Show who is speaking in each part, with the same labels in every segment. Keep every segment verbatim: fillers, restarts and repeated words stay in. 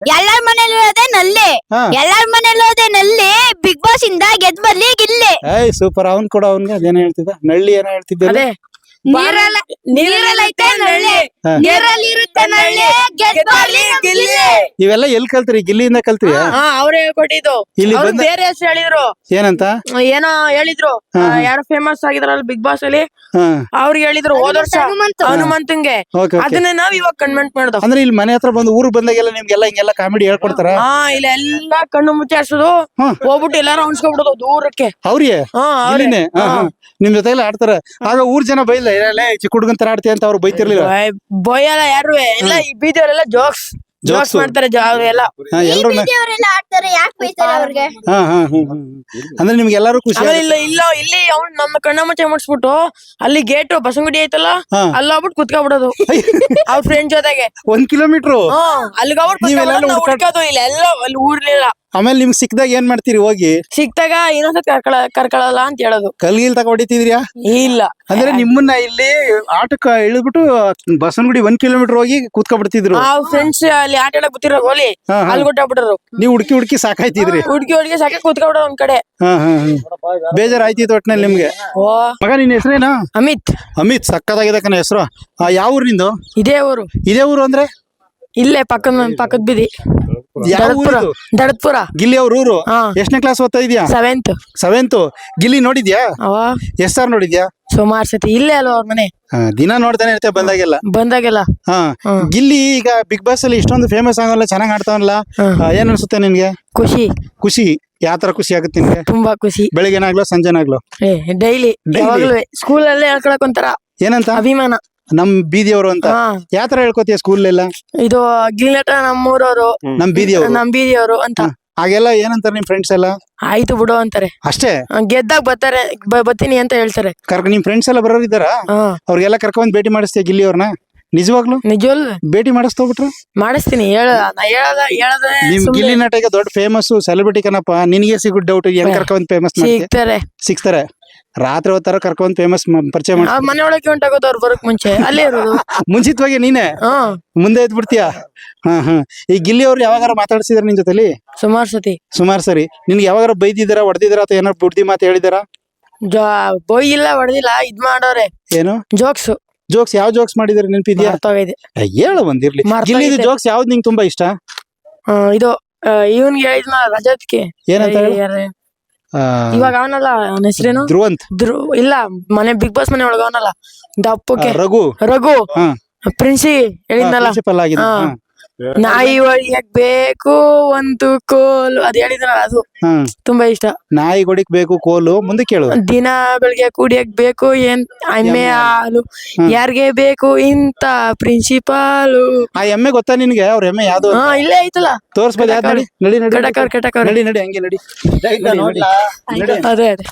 Speaker 1: ಎಲ್ಲಾರ ಮನೇಲಿ ಇರೋದೇ ನಲ್ಲಿ
Speaker 2: ಹಾ.
Speaker 1: ಎಲ್ಲಾರ ಮನೇಲಿ ಇರೋದೇ ನಲ್ಲಿ ಬಿಗ್ ಬಾಸ್ ಇಂದ ಗೆದ್ ಬರ್ಲಿ ಗಿಲ್ಲಿ
Speaker 2: ಏಯ್ ಸೂಪರ್ ಅವ್ನ್ ಕೂಡ ಅವ್ನ್ಗೆ ಅದೇನೋ ಹೇಳ್ತಿದ್ದ ನಳ್ಳಿ ಏನೋ ಹೇಳ್ತಿದ್ದೆ
Speaker 3: ಅದೇ
Speaker 1: ನೀರಲ್ಲ ನೀರಲ್ಲಿ ಐತೆ ನಲ್ಲಿ
Speaker 2: ಹಾ.
Speaker 1: ನೀರಲ್ಲಿ ಇರುತ್ತೆ ನಲ್ಲಿ ಗೆದ್ ಬರ್ಲಿ ನಮ್ ಗಿಲ್ಲಿ
Speaker 2: ಇವೆಲ್ಲ ಎಲ್ ಕಲ್ತ್ರಿ ಗಿಲ್ಲಿಯಿಂದ ಕಲ್ತ್ರಿ
Speaker 3: ಹಾ ಅವ್ರೇ ಹೇಳ್ಕೊಟ್ಟಿದ್ದು
Speaker 2: ಇಲ್ಲಿ
Speaker 3: ಅವ್ರು
Speaker 2: ಬಂದ
Speaker 3: ಬೇರೆ ಹೆಸರು ಹೇಳಿದ್ರು
Speaker 2: ಏನಂತ
Speaker 3: ಏನೋ ಹೇಳಿದ್ರು
Speaker 2: ಹಾ,
Speaker 3: ಆ,
Speaker 2: ಹಾ.
Speaker 3: ಯಾರೋ ಫೇಮಸ್ ಆಗಿದ್ರಲ್ಲ ಬಿಗ್ ಬಾಸ್ ಅಲ್ಲಿ
Speaker 2: ಹಾ
Speaker 3: ಅವ್ರಿಗೆ ಹೇಳಿದ್ರು ಹೋದ ವರ್ಷ
Speaker 1: ಹನುಮಂತು.
Speaker 3: ಹನುಮಂತಂಗೆ
Speaker 2: ಓಕೆ ಓಕೆ
Speaker 3: ಅದನ್ನೇ ನಾವ್ ಇವಾಗ ಕನ್ವೆಂಟ್ ಮಾಡ್ದೋ
Speaker 2: ಅಂದ್ರೆ ಇಲ್ಲಿ ಮನೆ ಹತ್ರ ಬಂದು ಊರಿಗೆ ಬಂದಾಗೆಲ್ಲ ನಿಮ್ಗೆಲ್ಲ ಹಿಂಗೆಲ್ಲ ಕಾಮಿಡಿ ಹೇಳ್ಕೊಡ್ತಾರ
Speaker 3: ಹಾ ಇಲ್ಲ ಎಲ್ಲಾ ಕಣ್ಣು ಮುಚ್ಚಾಡ್ಸೋದು
Speaker 2: ಹಾ.
Speaker 3: ಹೋಗ್ಬಿಟ್ಟು ಎಲ್ಲಾರು ಅನ್ಸ್ಕೊಬಿಡೋದು ದೂರಕ್ಕೆ
Speaker 2: ಅವ್ರಿಗೆ
Speaker 3: ಹಾ ಅವ್ರೇ.
Speaker 2: ಇಲ್ಲಿನೇ ಹಾ, ಹಾ. ನಿಮ್ ಜೊತೆ ಎಲ್ಲ ಆಡ್ತಾರ ಆಗ ಊರ್ ಜನ ಬೈಲ್ಲ ಏ, ಚಿಕ್ಕ ಹುಡುಗನ್ ತರ ಆಡ್ತೀಯ ಅಂತ ಅವ್ರು ಬೈತಿರ್ಲಿಲ್ಲ
Speaker 3: ಬೊಯ್- ಬೊಯ್ಯಲ್ಲ ಯಾರು ಎಲ್ಲ ಈ ಬೀದಿಯವರೆಲ್ಲ ಜೋಕ್ಸ್ ಜೋಕ್ಸ್
Speaker 2: Jokes.
Speaker 3: ಮಾಡ್ತಾರೆ ಜಾ- ಅವ್ರೆಲ್ಲ
Speaker 2: ಹಾ ಎಲ್ರು
Speaker 1: ಅವರೆಲ್ಲ ಆಡ್ತಾರೆ ಯಾಕೆ ಬೈತಾರೆ ಅವ್ರಿಗೆ
Speaker 2: ಹಾ ಹಾ ಹ್ಮ್ ಹ್ಮ್ ಅಂದ್ರೆ ನಿಮ್ಗೆ ಎಲ್ಲಾರು ಖುಷಿ
Speaker 3: ಆಮೇಲೆ ಇಲ್ಲ ಇಲ್ಲ ಇಲ್ಲಿ ಅವ್ನು ನಮ್ಮ ಕಣ್ಣ ಮುಚ್ಚೆ ಮುಟ್ಸ್ಬಿಟ್ಟು ಅಲ್ಲಿ ಗೇಟ್ ಬಸಂಗುಡಿ ಐತಲ್ಲ
Speaker 2: ಹಾ.
Speaker 3: ಅಲ್ಲಿ ಹೋಗ್ಬಿಟ್ಟು ಕುತ್ಕೊಬಿಡೋದು ಅವ್ರ ಫ್ರೆಂಡ್ ಜೊತೆಗೆ
Speaker 2: ಒಂದ್ ಕಿಲೋಮೀಟರ್
Speaker 3: ಹ್ಮ್ ಅಲ್ಲಿಗೆ
Speaker 2: ನೀವೆಲ್ಲ
Speaker 3: ಹೋಗ್ಬಿಟ್ಟು
Speaker 2: ಹುಡ್ಕಾಡ್-
Speaker 3: ಹುಡ್ಕೋದು ಇಲ್ಲ ಎಲ್ಲ ಅಲ್ಲಿ ಊರ್ಲಿಲ್ಲ
Speaker 2: ಆಮೇಲೆ ನಿಮ್ಗೆ ಸಿಕ್ದಾಗ ಏನ್ ಮಾಡ್ತೀರಿ ಹೋಗಿ
Speaker 3: ಸಿಕ್ತಾಗ ಇನ್ನೊಂದ್ಸತಿ ಕರ್ಕೊಳ ಕರ್ಕೊಳಲ್ಲ ಅಂತ ಹೇಳೋದು
Speaker 2: ಕಲ್ಗಿಲ್ ತಕ ಹೊಡಿತಿದ್ರಿಯಾ
Speaker 3: ಇಲ್ಲ
Speaker 2: ಅಂದ್ರೆ ನಿಮ್ಮನ್ನ ಇಲ್ಲಿ ಆಟಕ್ಕ ಇಳಿದ್ಬಿಟ್ಟು ಬಸವನಗುಡಿ ಒಂದ್ ಕಿಲೋಮೀಟರ್ ಹೋಗಿ ಕೂತ್ಕೊಬಿಡ್ತಿದ್ರು
Speaker 3: ಆ ಫ್ರೆಂಡ್ಸ್ ಅಲ್ಲಿ ಆಟ ಆಡಕ್ ಗೊತ್ತಿರೋ ಗೋಲಿ
Speaker 2: ಹಾ, ಹಾ.
Speaker 3: ಅಲ್ಲಿ ಕೊಟ್ಟಾಗ್ಬಿಟ್ರು
Speaker 2: ನೀವ್ ಹುಡ್ಕಿ ಹುಡ್ಕಿ ಸಾಕಾಯ್ತಿದ್ರಿ
Speaker 3: ಹುಡ್ಗಿ ಹುಡ್ಗಿ ಸಾಕೆ ಕುತ್ಕೊಬಿಡೋದು ಒಂದ್ ಕಡೆ
Speaker 2: ಹಾ ಹಾ ಹಾ ಬೇಜಾರ್ ಆಯ್ತಿತ್ತು ಒಟ್ನಲ್ಲಿ ನಿಮ್ಗೆ
Speaker 3: ಓ
Speaker 2: ಮಗ ನಿನ್ ಹೆಸರೇನಾ
Speaker 3: ಅಮಿತ್
Speaker 2: ಅಮಿತ್ ಸಕ್ಕದಾಗಿದೆ ಕಣ ಹೆಸರು ಯಾವ ಊರ್ ನಿಂದು
Speaker 3: ಇದೇ ಊರು
Speaker 2: ಇದೇ ಊರು ಅಂದ್ರೆ
Speaker 3: ಇಲ್ಲೇ ಪಕ್ಕದ ಪಕ್ಕದ ಬೀದಿ
Speaker 2: ಯಾವ
Speaker 3: ದಡತ್ಪುರ
Speaker 2: ಊರು
Speaker 3: ದಡತ್ಪುರ
Speaker 2: ಗಿಲ್ಲಿ ಅವ್ರ ಊರು
Speaker 3: ಹಾ
Speaker 2: ಎಷ್ಟನೇ ಕ್ಲಾಸ್ ಓದ್ತಾ ಇದೀಯಾ
Speaker 3: ಸೆವೆಂತ್
Speaker 2: ಸೆವೆಂತ್ ಗಿಲ್ಲಿ ನೋಡಿದ್ಯಾ
Speaker 3: ಅವ
Speaker 2: ಎಷ್ಟ್ ಸಾರ್ ನೋಡಿದ್ಯಾ
Speaker 3: ಸುಮಾರು ಸತಿ ಇಲ್ಲೇ ಅಲ್ವಾ ಅವ್ರ ಮನೆ
Speaker 2: ಹಾ, ದಿನ ನೋಡ್ತಾನೆ ಇರ್ತೇವೆ ಬಂದಾಗೆಲ್ಲ
Speaker 3: ಬಂದಾಗೆಲ್ಲ
Speaker 2: ಹಾ
Speaker 3: ಹ್ಮ್.
Speaker 2: ಗಿಲ್ಲಿ ಈಗ ಬಿಗ್ ಬಾಸ್ ಅಲ್ಲಿ ಇಷ್ಟೊಂದು ಫೇಮಸ್ ಆಗಲ್ಲ ಚೆನ್ನಾಗ್ ಆಡ್ತಾವಲ್ಲ
Speaker 3: ಹ್ಮ್.
Speaker 2: ಆ, ಏನ್ ಅನ್ಸುತ್ತೆ ನಿನ್ಗೆ
Speaker 3: ಖುಷಿ
Speaker 2: ಖುಷಿ ಯಾವ ತರ ಖುಷಿ ಆಗುತ್ತೆ ನಿನ್ಗೆ
Speaker 3: ತುಂಬಾ ಖುಷಿ
Speaker 2: ಬೆಳಿಗ್ಗೆನಾಗ್ಲೋ ಸಂಜೆನಾಗ್ಲೋ
Speaker 3: ಏ ಡೈಲಿ
Speaker 2: Daily?
Speaker 3: ಯಾವಾಗ್ಲೂ ಸ್ಕೂಲ್ ಅಲ್ಲೇ ಹೇಳ್ಕೊಳಕ್ ಒಂಥರ
Speaker 2: ಏನಂತ
Speaker 3: ಅಭಿಮಾನ
Speaker 2: ನಮ್ ಬೀದಿಯವರು ಅಂತ
Speaker 3: ಹಾ
Speaker 2: ಯಾವ ತರ ಹೇಳ್ಕೊತೀಯ ಸ್ಕೂಲ್ ಎಲ್ಲ
Speaker 3: ಇದು ಗಿಲ್ನಟ ನಮ್ಮೂರವ್ರು
Speaker 2: ನಮ್ ಬೀದಿಯವರು
Speaker 3: ನಮ್ ಬೀದಿಯವರು ಅಂತ
Speaker 2: ಹಾಗೆಲ್ಲ ಏನಂತಾರೆ ನಿಮ್ ಫ್ರೆಂಡ್ಸ್ ಎಲ್ಲ
Speaker 3: ಆಯ್ತು ಬಿಡು ಅಂತಾರೆ
Speaker 2: ಅಷ್ಟೇ
Speaker 3: ಆ, ಗೆದ್ದಾಗ ಬರ್ತಾರೆ ಬ- ಬರ್ತೀನಿ ಅಂತ ಹೇಳ್ತಾರೆ
Speaker 2: ಕರ್ಕ ನಿಮ್ ಫ್ರೆಂಡ್ಸ್ ಎಲ್ಲ ಬರೋರು ಇದ್ದಾರಾ
Speaker 3: ಹಾ
Speaker 2: ಅವ್ರಿಗೆಲ್ಲ ಕರ್ಕೊಂಡ್ ಭೇಟಿ ಮಾಡಿಸ್ತೀಯ ಗಿಲ್ಲಿ ಅವ್ರನ್ನ ನಿಜವಾಗ್ಲು
Speaker 3: ನಿಜವಲ್
Speaker 2: ಭೇಟಿ ಮಾಡಿಸ್ತೋಗ್ಬಿಟ್ರು
Speaker 3: ಮಾಡಿಸ್ತೀನಿ ಹೇಳ ನಾ ಹೇಳದ ಹೇಳದೆ
Speaker 2: ನಿಮ್ ಗಿಲ್ಲಿ ನಟ ಈಗ ದೊಡ್ಡ ಫೇಮಸ್ ಸೆಲೆಬ್ರಿಟಿ ಕಣಪ್ಪ ನಿನಗೆ ಸಿಗೋ ಡೌಟ್ ಹೆಂಗ್ ಕರ್ಕೊಂಡ್ ಫೇಮಸ್ ಮಾಡ್ತೀಯ
Speaker 3: ಸಿಗ್ತಾರೆ
Speaker 2: ಸಿಗ್ತಾರೆ ರಾತ್ರಿ ಹೊತ್ತರ ಕರ್ಕೊಂಡ್ ಫೇಮಸ್ ಪರಿಚಯ ಮಾಡಿ
Speaker 3: ಆ ಮನೆ ಒಳಗೆ ಹೊಂಟಾಗೋದು ಅವ್ರು ಬರಕ್ ಮುಂಚೆ ಅಲ್ಲೇ ಇರೋದು
Speaker 2: ಮುಂಚಿತವಾಗಿ ನೀನೆ
Speaker 3: ಹಾ
Speaker 2: ಮುಂದೆ ಎದ್ ಬಿಡ್ತೀಯ ಹಾ ಹಾ ಈ ಗಿಲ್ಲಿ ಅವ್ರು ಯಾವಾಗಾರ ಮಾತಾಡ್ಸಿದಾರ ನಿನ್ ಜೊತೆಲಿ
Speaker 3: ಸುಮಾರು ಸತಿ
Speaker 2: ಸುಮಾರು ಸರಿ ನಿನ್ಗೆ ಯಾವಾಗಾರ ಬೈದಿದಾರ ಹೊಡೆದಿದಾರ ಅಥವಾ ಏನಾರ ಬುಡ್ದಿ ಮಾತು ಹೇಳಿದಾರ
Speaker 3: ಜಾ ಬೊಯ್ಯಿಲ್ಲ ಹೊಡೆದಿಲ್ಲ ಇದ್ ಮಾಡೋರೆ
Speaker 2: ಏನು
Speaker 3: ಜೋಕ್ಸ್
Speaker 2: ಜೋಕ್ಸ್ ಯಾವ ಜೋಕ್ಸ್ ಮಾಡಿದಾರೆ ನೆನಪಿದ್ಯಾ
Speaker 3: ಮರ್ತೋಗಿದೆ
Speaker 2: ಹೇಳ ಒಂದಿರ್ಲಿ
Speaker 3: ಮರ್ತೋಗಿದೆ.
Speaker 2: ಗಿಲ್ಲಿದು ಜೋಕ್ಸ್ ಯಾವ್ದು ನಿಂಗೆ ತುಂಬಾ ಇಷ್ಟ
Speaker 3: ಆ, ಇದು ಇವನ್ಗೆ ಹೇಳಿದ್ನ ರಜತ್ಗೆ
Speaker 2: ಏನಂತ ಹೇಳು?
Speaker 3: ಯಾರು?
Speaker 2: ಆ,
Speaker 3: ಇವಾಗ ಅವನಲ್ಲ ಅವನ ಹೆಸರೇನು
Speaker 2: ಧ್ರುವಂತ್
Speaker 3: ಧ್ರು ಇಲ್ಲ ಮನೆ ಬಿಗ್ ಬಾಸ್ ಮನೆ ಒಳಗ ಅವನಲ್ಲ
Speaker 2: ಆ,
Speaker 3: ದಪ್ಪಕ್ಕೆ
Speaker 2: ರಘು
Speaker 3: ರಘು
Speaker 2: ಹಾ
Speaker 3: ಪ್ರಿನ್ಸಿ ಹೇಳಿದ್ನಲ್ಲ
Speaker 2: ಪ್ರಿನ್ಸಿಪಲ್ ಆಗಿದೆ
Speaker 3: ಹಾ.
Speaker 2: ಹಾ.
Speaker 3: ನಾಯಿ ಹೊಡಿಯಕ್ ಬೇಕು ಒಂದು ಕೋಲು ಅದ್ ಹೇಳಿದ್ನಲ್ಲ ಅದು
Speaker 2: ಹಾ
Speaker 3: ತುಂಬಾ ಇಷ್ಟ
Speaker 2: ನಾಯಿ ಗೊಡಿಕ್ ಬೇಕು ಕೋಲು ಮುಂದೆ ಕೇಳು
Speaker 3: ದಿನ ಬೆಳಿಗ್ಗೆ ಕುಡಿಯಕ್ ಬೇಕು ಏನ್ ಎಮ್ಮೆ ಹಾಲು ಯಾರ್ಗೆ ಬೇಕು ಇಂತ ಪ್ರಿನ್ಸಿಪಾಲು
Speaker 2: ಆ ಎಮ್ಮೆ ಗೊತ್ತಾ ನಿನ್ಗೆ ಅವ್ರ ಎಮ್ಮೆ ಯಾವ್ದು
Speaker 3: ಹಾ ಇಲ್ಲೇ ಐತಲ್ಲ
Speaker 2: ತೋರ್ಸ್ಬೋದು ಯಾವ್ದು ನಡಿ ನಡಿ ನಡಿ
Speaker 3: ಕಟಕವ್ರ ಕಟಕವ್ರ
Speaker 2: ನಡಿ ನಡಿ ಹಂಗೆ ನಡಿ ನಡಿ, ನಡಿ.
Speaker 3: ಅದೇ ಅದೇ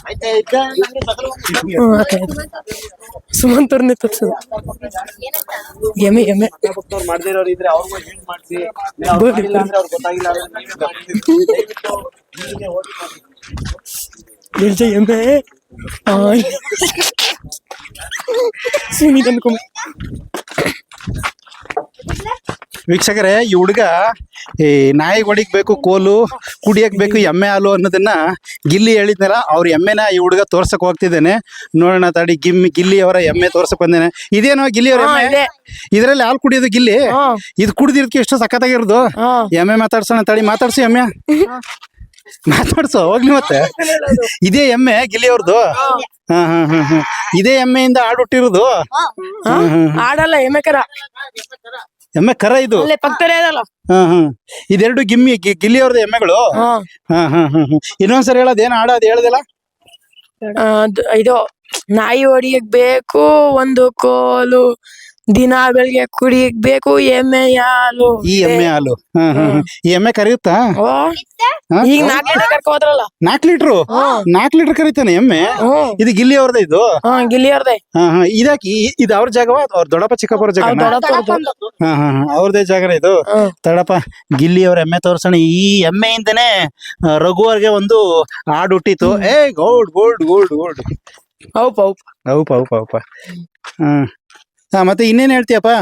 Speaker 3: ಹ್ಮ್ ಅದೇ ಸುಮಂತರ್ನೇ ತಪ್ಸದು ಎಮ್ಮೆ ಎಮ್ಮೆ
Speaker 4: ಮಾಡ್ದಿರೋರು ಇದ್ರೆ ಅವ್ರಿಗೂ ಹೆಲ್ಪ್ ಮಾಡಿಸಿ
Speaker 3: ಬೋಡಿ.
Speaker 4: ಅವ್ರಿಗೆ ಗೊತ್ತಾಗಿಲ್ಲ
Speaker 3: ನಿಲ್ಸ ಎಮ್ಮೆ ಆಯ್. ಸುನೀತ್ ಅನ್ಕೊಂಬ
Speaker 2: ವೀಕ್ಷಕರೇ ಈ ಹುಡುಗ ಈ ನಾಯಿ ಹೊಡಿಕ್ ಬೇಕು ಕೋಲು ಕುಡಿಯಕ್ ಬೇಕು ಎಮ್ಮೆ ಹಾಲು ಅನ್ನೋದನ್ನ ಗಿಲ್ಲಿ ಹೇಳಿದ್ನಲ್ಲ ಅವ್ರ ಎಮ್ಮೆನ ಈ ಹುಡುಗ ತೋರ್ಸಕ್ ಹೋಗ್ತಿದ್ದೇನೆ ನೋಡೋಣ ತಡಿ ಗಿಮ್ಮಿ ಗಿಲ್ಲಿ ಅವರ ಎಮ್ಮೆ ತೋರ್ಸಕ್ ಬಂದೇನೆ ಇದೇನೋ ಗಿಲ್ಲಿ ಅವ್ರ
Speaker 3: ಹಾ,
Speaker 2: ಎಮ್ಮೆ
Speaker 3: ಇದೆ.
Speaker 2: ಇದ್ರಲ್ಲಿ ಹಾಲು ಕುಡಿಯೋದು ಗಿಲ್ಲಿ
Speaker 3: ಹಾ.
Speaker 2: ಇದು ಕುಡ್ದಿರ್ಕೆ ಎಷ್ಟು ಸಖತ್ತಾಗಿರೋದು
Speaker 3: ಹಾ
Speaker 2: ಎಮ್ಮೆ ಮಾತಾಡ್ಸೋಣ ತಡಿ ಮಾತಾಡ್ಸು ಎಮ್ಮೆ ಮಾತಾಡ್ಸೋ ಹೋಗ್ಲಿ ಮತ್ತೆ ಇದೇ ಎಮ್ಮೆ ಗಿಲ್ಲಿ ಅವ್ರದ್ದು ಹಾ ಹಾ ಹಾ ಹಾ ಇದೇ ಎಮ್ಮೆಯಿಂದ ಹಾಡು ಹುಟ್ಟಿರೋದು
Speaker 3: ಹಾ? ಆಡಲ್ಲ ಎಮ್ಮೆ ಕರ
Speaker 2: ಎಮ್ಮೆ ಕರ ಇದು
Speaker 3: ಅಲ್ಲೇ ಪಕ್ಕದಲ್ಲೇ ಅದಲ್ಲ
Speaker 2: ಹಾ ಹಾ ಇದೆರಡು ಗಿಮ್ಮಿ ಗಿ- ಗಿಲ್ಲಿ ಅವ್ರದ್ದು ಎಮ್ಮೆಗಳು
Speaker 3: ಹಾ
Speaker 2: ಹಾ ಹಾ ಹಾ ಹಾ ಇನ್ನೊಂದ್ಸರಿ ಹೇಳೋದ್ ಏನ್ ಹಾಡ ಅದ್ ಹೇಳ್ದಿಲ್ಲ
Speaker 3: ಆ, ಅದು- ಇದು ನಾಯಿ ಹೊಡಿಯಕ್ ಬೇಕು ಒಂದು ಕೋಲು ದಿನ ಬೆಳಿಗ್ಗೆ ಕುಡಿಯಕ್ ಬೇಕು ಎಮ್ಮೆ ಹಾಲು
Speaker 2: ಈ ಎಮ್ಮೆ ಹಾಲು ಹಾ ಹಾ ಹಾ. ಈ ಎಮ್ಮೆ ಕರೆಯುತ್ತಾ
Speaker 3: ಓ
Speaker 2: ಹಾ?
Speaker 3: ಈಗ ನಾಲ್ಕು ಲೀಟರ್ ಕರ್ಕೊ ಹೋದ್ರಲ್ಲ
Speaker 2: ನಾಲ್ಕು ಲೀಟ್ರು ನಾಲ್ಕು ಲೀಟರ್ ಕರೀತಾನೆ ಎಮ್ಮೆ
Speaker 3: ಹ್ಮ್
Speaker 2: ಇದು ಗಿಲ್ಲಿ ಅವ್ರದ್ದು ಇದು
Speaker 3: ಹಾ ಗಿಲ್ಲಿಯರ್ದೆ
Speaker 2: ಹಾ ಹಾ ಇದಾಕಿ ಇದು ಅವ್ರ ಜಾಗವ ಅವ್ರ ದೊಡ್ಡಪ್ಪ ಚಿಕ್ಕಪ್ಪರ ಜಾಗ
Speaker 3: ಅವ್ರ್ ದೊಡ್ಡಪ್ಪರ್ದು.
Speaker 2: ಹಾ ಹಾ ಹಾ ಅವ್ರದೇ ಜಾಗನ ಇದು
Speaker 3: ಹ್ಮ್.
Speaker 2: ತಡಪ್ಪ ಗಿಲ್ಲಿ ಅವ್ರ ಎಮ್ಮೆ ತೋರ್ಸೋಣ ಈ ಎಮ್ಮೆಯಿಂದನೇ ಆ, ರಘು ಅವ್ರಿಗೆ ಒಂದು ಹಾಡು ಹುಟ್ಟಿತು ಏ ಗೋಲ್ಡ್ ಗೋಲ್ಡ್ ಗೋಲ್ಡ್ ಗೋಲ್ಡ್
Speaker 3: ಹೌಪ್ ಹೌಪ್
Speaker 2: ಹೌಪ ಹೌಪ ಹೌಪ ಹಾ ಹಾ ಮತ್ತೆ ಇನ್ನೇನ್ ಹೇಳ್ತೀಯಪ್ಪ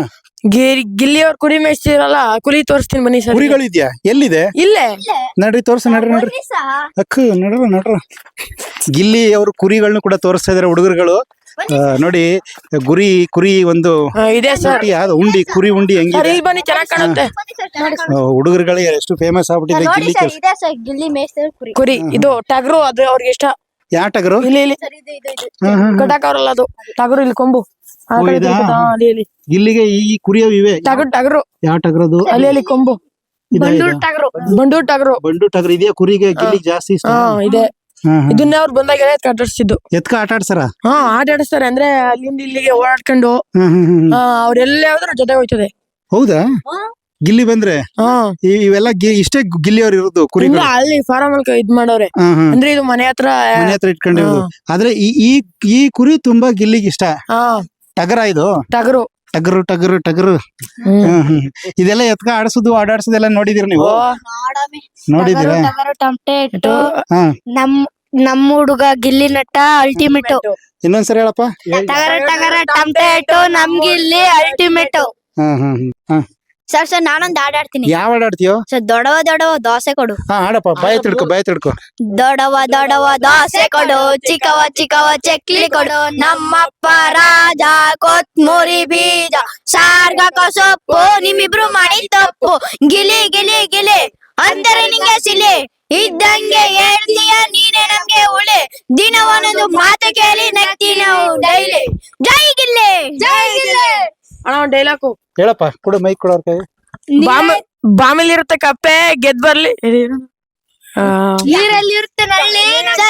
Speaker 3: ಗಿರಿ ಗಿಲ್ಲಿ ಅವ್ರ ಕುರಿ ಮೇಯಿಸ್ತಿರಲ್ಲ ಕುರಿ ತೋರಿಸ್ತೀನಿ ಬನ್ನಿ ಸರ್
Speaker 2: ಕುರಿಗಳು ಇದ್ಯಾ ಎಲ್ಲಿದೆ
Speaker 3: ಇಲ್ಲೇ
Speaker 2: ನಡ್ರಿ ತೋರ್ಸ ನಡ್ರಿ ನಡ್ರಿ ಅಕ್ಕ ನಡ್ರ ನಡ್ರ ಗಿಲ್ಲಿ ಅವರು ಕುರಿಗಳನ್ನ ಕೂಡ ತೋರಿಸ್ತಾ ಇದಾರೆ ಹುಡುಗರುಗಳು ನೋಡಿ ಗುರಿ ಕುರಿ ಒಂದು
Speaker 3: ಆ, ಇದೆ ಸರ್
Speaker 2: ಉಂಡಿ ಯಾವ್ದು ಉಂಡಿ ಕುರಿ ಉಂಡಿ
Speaker 3: ಸರ್
Speaker 2: ಹೆಂಗಿದೆ
Speaker 3: ಇಲ್ಲಿ ಬನ್ನಿ ಚೆನ್ನಾಗ್ ಕಾಣುತ್ತೆ
Speaker 2: ಹುಡುಗರುಗಳಿಗೆ ಎಷ್ಟು ಫೇಮಸ್ ಆಗ್ಬಿಟ್ಟಿದೆ
Speaker 1: ನೋಡಿ
Speaker 2: ಗಿಲ್ಲಿ
Speaker 1: ಸರ್ ಇದೆ ಸರ್ ಗಿಲ್ಲಿ ಮೇಯಿಸ್ತಾರೆ ಕುರಿ
Speaker 3: ಕುರಿ ಇದು ಟಗರು ಅದು ಅವ್ರಿಗೆ ಇಷ್ಟ
Speaker 2: ಯಾವ ಟಗರು
Speaker 3: ಇಲ್ಲಿ ಇಲ್ಲಿ
Speaker 1: ಸರ್ ಇದು ಇದು ಇದು
Speaker 2: ಹಾ, ಹಾ, ಹಾ.
Speaker 3: ಕಟಾಕ್ ಅವ್ರಲ್ಲ ಅದು ಟಗರು ಇಲ್ಲಿ ಕೊಂಬು ಆ
Speaker 2: ಓ,
Speaker 3: ಕಡೆ
Speaker 2: ಇದಾ?
Speaker 3: ತಿರುಗುತ್ತಾ? ಅಲ್ಲಿ ಇಲ್ಲಿ
Speaker 2: ಗಿಲ್ಲಿಗೆ ಈ ಕುರಿಯವು ಇವೆ
Speaker 3: ಟಗರು ಟಗರು
Speaker 2: ಯಾವ ಟಗರದು
Speaker 3: ಅಲ್ಲಿ ಅಲ್ಲಿ ಕೊಂಬು
Speaker 2: ಇದಾ,
Speaker 3: ಬಂಡೂರ್
Speaker 2: ಇದಾ?
Speaker 3: ಟಗರು ಬಂಡೂರ್ ಟಗರು
Speaker 2: ಬಂಡು ಟಗರು ಇದೆಯಾ ಕುರಿಗೆ ಗಿಲ್ಲಿಗೆ ಜಾಸ್ತಿ ಇಷ್ಟ
Speaker 3: ಹಾ ಇದೆ
Speaker 2: ಹಾ, ಹಾ.
Speaker 3: ಇದನ್ನೇ ಅವ್ರು ಬಂದಾಗ ಕಟ್ಟಿಸ್ತಿದ್ದು
Speaker 2: ಎತ್ಕ ಆಟ ಆಡ್ಸಾರ
Speaker 3: ಹಾ ಆಟ ಆಡಿಸ್ತಾರೆ ಅಂದ್ರೆ ಅಲ್ಲಿಂದ ಇಲ್ಲಿಗೆ ಓಡಾಡ್ಕೊಂಡು
Speaker 2: ಹ್ಮ್ ಹ್ಮ್ ಹ್ಮ್
Speaker 3: ಆ, ಅವ್ರೆಲ್ಲ ಯಾವ್ದ್ರ ಜೊತೆ ಹೋಯ್ತದೆ
Speaker 2: ಹೌದಾ ಗಿಲ್ಲಿ ಬಂದ್ರೆ
Speaker 3: ಹಾ
Speaker 2: ಈ- ಇವೆಲ್ಲ ಗಿ- ಇಷ್ಟೇ ಗಿಲ್ಲಿ ಅವ್ರು ಇರೋದು
Speaker 3: ಇಲ್ಲ
Speaker 2: ಕುರಿಗಳು
Speaker 3: ಅಲ್ಲಿ ಫಾರಂ ಅಲ್ಲಿ ಇದ್ ಮಾಡವ್ರೆ
Speaker 2: ಹಾ, ಹಾ.
Speaker 3: ಅಂದ್ರೆ ಇದು ಮನೆ ಹತ್ರ
Speaker 2: ಮನೆ ಹತ್ರ ಇಟ್ಕೊಂಡಿರೋದು ಆದ್ರೆ ಈ ಈ ಈ ಕುರಿ ತುಂಬಾ ಗಿಲ್ಲಿಗೆ ಇಷ್ಟ
Speaker 3: ಹಾ
Speaker 2: ಟಗರ ಇದು
Speaker 3: ಟಗರು
Speaker 2: ಟಗರು ಟಗರು ಟಗರು
Speaker 3: ಹ್ಮ್.
Speaker 2: ಹ್ಮ್, ಹ್ಮ್. ಇದೆಲ್ಲ ಎತ್ಕ ಆಡಿಸೋದು ಆಡಾಡ್ಸೋದೆಲ್ಲ ನೋಡಿದಿರ ನೀವು
Speaker 3: ಓ,
Speaker 1: ನೋಡಮ್ಮಿ.
Speaker 2: ನೋಡಿದಿರ
Speaker 1: ಟಗರು, ಟಗರು ಟಮಟೆ ಇಟ್ಟು
Speaker 2: ಹಾ
Speaker 1: ನಮ್ ನಮ್ ಹುಡುಗ ಗಿಲ್ಲಿ ನಟ ಅಲ್ಟಿಮೇಟ್
Speaker 2: ಇನ್ನೊಂದ್ಸರಿ ಹೇಳಪ್ಪ
Speaker 1: ಟಗರ ಟಗರ ಟಮಟೆ ಇಟ್ಟು ನಮ್ ಗಿಲ್ಲಿ ಅಲ್ಟಿಮೇಟ್
Speaker 2: ಹಾ ಹಾ ಹ್ಮ್. ಹಾ
Speaker 1: ಸರ್ ಸರ್ ನಾನೊಂದ್ ಹಾಡ್ ಆಡ್ತೀನಿ
Speaker 2: ಯಾವ ಹಾಡ್ ಆಡ್ತೀಯೋ
Speaker 1: ಸರ್ ದೊಡವ ದೊಡವ ದೋಸೆ ಕೊಡು
Speaker 2: ಹಾ ಆಡಪ್ಪ ಬಾಯ್ ತಿಳ್ಕೊ ಬಾಯ್ ತಿಳ್ಕೊ
Speaker 1: ದೊಡವ ದೊಡವ ದೋಸೆ ಕೊಡು ಚಿಕ್ಕವ ಚಿಕ್ಕವ ಚಕ್ಲಿ ಕೊಡು ನಮ್ಮಪ್ಪ ರಾಜ ಕೊತ್ಮುರಿ ಬೀಜ ಸಾರ್ಗಕ ಸೊಪ್ಪು ನಿಮ್ಮಿಬ್ರು ಮಾಡಿ ತಪ್ಪು ಗಿಲಿ ಗಿಲಿ ಗಿಲಿ ಅಂದರೆ ನಿಂಗೆ ಸಿಲಿ ಇದ್ದಂಗೆ ಹೇಳ್ತೀಯ ನೀನೆ ನಮ್ಗೆ ಉಳಿ ದಿನ ಒಂದೊಂದು ಮಾತು ಕೇಳಿ ನಗ್ತಿ ನಾವು ಡೈಲಿ ಜೈ ಗಿಲ್ಲಿ ಜೈ ಗಿಲ್ಲಿ
Speaker 3: ಅಣ್ಣ ಒಂದ್ ಡೈಲಾಗು
Speaker 2: ಹೇಳಪ್ಪ ಕೊಡು ಮೈಕ್ ಕೊಡೋರ್ ಕೈ
Speaker 3: ಬಾಮ ಬಾಮಿಲ್ ಇರುತ್ತೆ ಕಪ್ಪೆ ಗೆದ್ ಬರ್ಲಿ ಆ,
Speaker 1: ನೀರಲ್ಲಿ ಇರುತ್ತೆ ನಲ್ಲಿ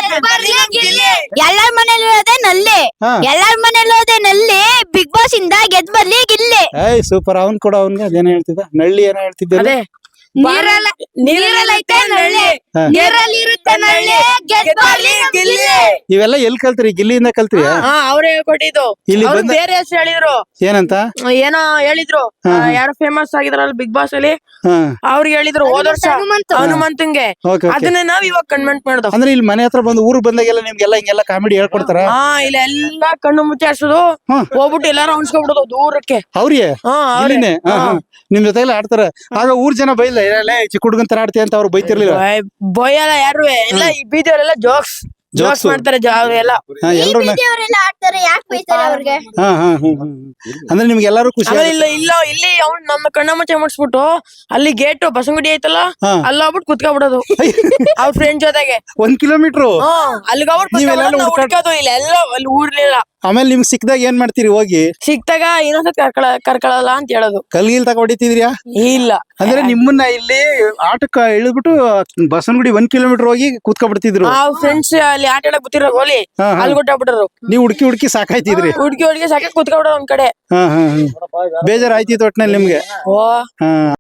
Speaker 1: ಎಲ್ಲಾರ ಮನೇಲಿ ಇರೋದೇ ನಲ್ಲಿ
Speaker 2: ಹಾ
Speaker 1: ಎಲ್ಲಾರ ಮನೇಲಿ ಇರೋದೇ ನಲ್ಲಿ ಬಿಗ್ ಬಾಸ್ ಇಂದ ಗೆದ್ ಬರ್ಲಿ ಗಿಲ್ಲಿ
Speaker 2: ಏಯ್ ಸೂಪರ್ ಅವ್ನ್ ಕೊಡ ಅವ್ನ್ಗೆ ಅದೇನೋ ಹೇಳ್ತಿದ್ದ ನಳ್ಳಿ ಏನೋ ಹೇಳ್ತಿದ್ದೆ
Speaker 3: ಅದೇ
Speaker 1: ನೀರಲ್ಲ ನೀರಲ್ಲಿ ಐತೆ ನಳ್ಳಿ
Speaker 2: ಹಾ.
Speaker 1: ನೀರಲ್ಲಿ ಇರುತ್ತೆ ನಳ್ಳಿ ಗೆದ್ ಬರ್ಲಿ ಗಿಲ್ಲಿ
Speaker 2: ಇವೆಲ್ಲ ಎಲ್ ಕಲ್ತ್ರಿ ಗಿಲ್ಲಿಯಿಂದ ಕಲ್ತ್ರಿ
Speaker 3: ಹಾ ಅವ್ರೇ ಕೊಟ್ಟಿದ್ದು
Speaker 2: ಇಲ್ಲಿ
Speaker 3: ಅವ್ರು
Speaker 2: ಬಂದ
Speaker 3: ಬೇರೆ ಹೆಸರು ಹೇಳಿದ್ರು
Speaker 2: ಏನಂತ
Speaker 3: ಏನೋ ಹೇಳಿದ್ರು ಆ, ಯಾರು ಫೇಮಸ್ ಆಗಿದ್ರಲ್ಲ ಬಿಗ್ ಬಾಸ್ ಅಲ್ಲಿ
Speaker 2: ಹಾ
Speaker 3: ಅವ್ರಿಗೆ ಹೇಳಿದ್ರು ಹೋದ ವರ್ಷ
Speaker 1: ಹನುಮಂತು.
Speaker 3: ಹನುಮಂತಂಗೆ
Speaker 2: ಓಕೆ ಓಕೆ
Speaker 3: ಅದನ್ನ ನಾವ್ ಇವಾಗ ಕನ್ವೆಂಟ್ ಮಾಡ್ದೋ
Speaker 2: ಅಂದ್ರೆ ಇಲ್ಲಿ ಮನೆ ಹತ್ರ ಬಂದು ಊರಿಗೆ ಬಂದಾಗೆಲ್ಲ ನಿಮ್ಗೆಲ್ಲ ಹಿಂಗೆಲ್ಲ ಕಾಮಿಡಿ ಹೇಳ್ಕೊಡ್ತಾರ
Speaker 3: ಹಾ ಇಲ್ಲ ಎಲ್ಲಾ ಕಣ್ಣು ಮುಚ್ಚಾಡ್ಸೋದು
Speaker 2: ಹಾ.
Speaker 3: ಹೋಗ್ಬಿಟ್ಟು ಎಲ್ಲಾರು ಅನ್ಸ್ಕೊಬಿಡೋದು ದೂರಕ್ಕೆ
Speaker 2: ಅವ್ರಿಗೆ
Speaker 3: ಹಾ ಅವ್ರೇ.
Speaker 2: ಇಲ್ಲಿನೇ ಹಾ, ಹಾ. ನಿಮ್ ಜೊತೆ ಎಲ್ಲ ಆಡ್ತಾರ ಆಗ ಊರ್ ಜನ ಬೈಲ್ಲ ಇರಲ್ಲ ಚಿಕ್ಕ ಹುಡುಗನ್ ತರ ಆಡ್ತೀಯ ಅಂತ ಅವ್ರು ಬೈತಿರ್ಲಿಲ್ಲ
Speaker 3: ಬೊಯ್- ಬೊಯ್ಯಲ್ಲ ಯಾರು ಎಲ್ಲ ಈ ಬೀದಿಯವರೆಲ್ಲ ಜೋಕ್ಸ್ ಜೋಕ್ಸ್
Speaker 2: Jokes.
Speaker 3: ಮಾಡ್ತಾರೆ ಜಾ- ಅವ್ರೆಲ್ಲ
Speaker 2: ಹಾ ಎಲ್ರು ನ-
Speaker 1: ಅವರೆಲ್ಲ ಆಡ್ತಾರೆ ಯಾಕೆ ಬೈತಾರೆ ಅವ್ರಿಗೆ
Speaker 2: ಹಾ ಹಾ ಹ್ಮ್ ಹ್ಮ್, ಹ್ಮ್. ಅಂದ್ರೆ ನಿಮ್ಗೆ ಎಲ್ಲಾರು ಖುಷಿ
Speaker 3: ಆಮೇಲೆ ಇಲ್ಲ ಇಲ್ಲ ಇಲ್ಲಿ ಅವ್ನು ನಮ್ಮ ಕಣ್ಣ ಮುಚ್ಚೆ ಮಾಡಿಸ್ಬಿಟ್ಟು ಅಲ್ಲಿ ಗೇಟ್ ಬಸಂಗುಡಿ ಐತಲ್ಲ
Speaker 2: ಹಾ.
Speaker 3: ಅಲ್ಲಿ ಹೋಗ್ಬಿಟ್ಟು ಕುತ್ಕೊಬಿಡೋದು ಅವ್ರ ಫ್ರೆಂಡ್ ಜೊತೆಗೆ
Speaker 2: ಒಂದ್ ಕಿಲೋಮೀಟರ್
Speaker 3: ಹ್ಮ್ ಅಲ್ಲಿಗೆ
Speaker 2: ನೀವೆಲ್ಲ
Speaker 3: ಹೋಗ್ಬಿಟ್ಟು
Speaker 2: ಹುಡ್ಕಾಡ್-
Speaker 3: ಹುಡ್ಕೋದು ಇಲ್ಲ ಎಲ್ಲ ಅಲ್ಲಿ ಊರ್ಲಿಲ್ಲ
Speaker 2: ಆಮೇಲೆ ನಿಮ್ಗೆ ಸಿಕ್ದಾಗ ಏನ್ ಮಾಡ್ತೀರಿ ಹೋಗಿ
Speaker 3: ಸಿಕ್ತಾಗ ಇನ್ನೊಂದ್ಸತಿ ಕರ್ಕೊಳ ಕರ್ಕೊಳಲ್ಲ ಅಂತ ಹೇಳೋದು
Speaker 2: ಕಲ್ಗಿಲ್ ತಗ ಹೊಡಿತಿದ್ರಿಯಾ
Speaker 3: ಇಲ್ಲ
Speaker 2: ಅಂದ್ರೆ ನಿಮ್ಮನ್ನ ಇಲ್ಲಿ ಆಟಕ್ಕ ಇಳಿದ್ಬಿಟ್ಟು ಬಸವನಗುಡಿ ಒಂದ್ ಕಿಲೋಮೀಟರ್ ಹೋಗಿ ಕೂತ್ಕೊಬಿಡ್ತಿದ್ರು
Speaker 3: ಆ ಫ್ರೆಂಡ್ಸ್ ಅಲ್ಲಿ ಆಟ ಆಡಕ್ ಗೊತ್ತಿರೋ ಗೋಲಿ
Speaker 2: ಹಾ, ಹಾ.
Speaker 3: ಅಲ್ಲಿ ಕೊಟ್ಟಾಗ್ಬಿಟ್ರು
Speaker 2: ನೀವ್ ಹುಡ್ಕಿ ಹುಡ್ಕಿ ಸಾಕಾಯ್ತಿದ್ರಿ
Speaker 3: ಹುಡ್ಗಿ ಹುಡ್ಗಿ ಸಾಕ ಕುತ್ಕೊಬಿಡೋದು ಒಂದ್ ಕಡೆ
Speaker 2: ಹಾ ಹಾ ಹಾ ಬೇಜಾರ್ ಆಯ್ತಿತ್ತು ಒಟ್ನಲ್ಲಿ ನಿಮ್ಗೆ
Speaker 3: ಓ
Speaker 2: ಹಾ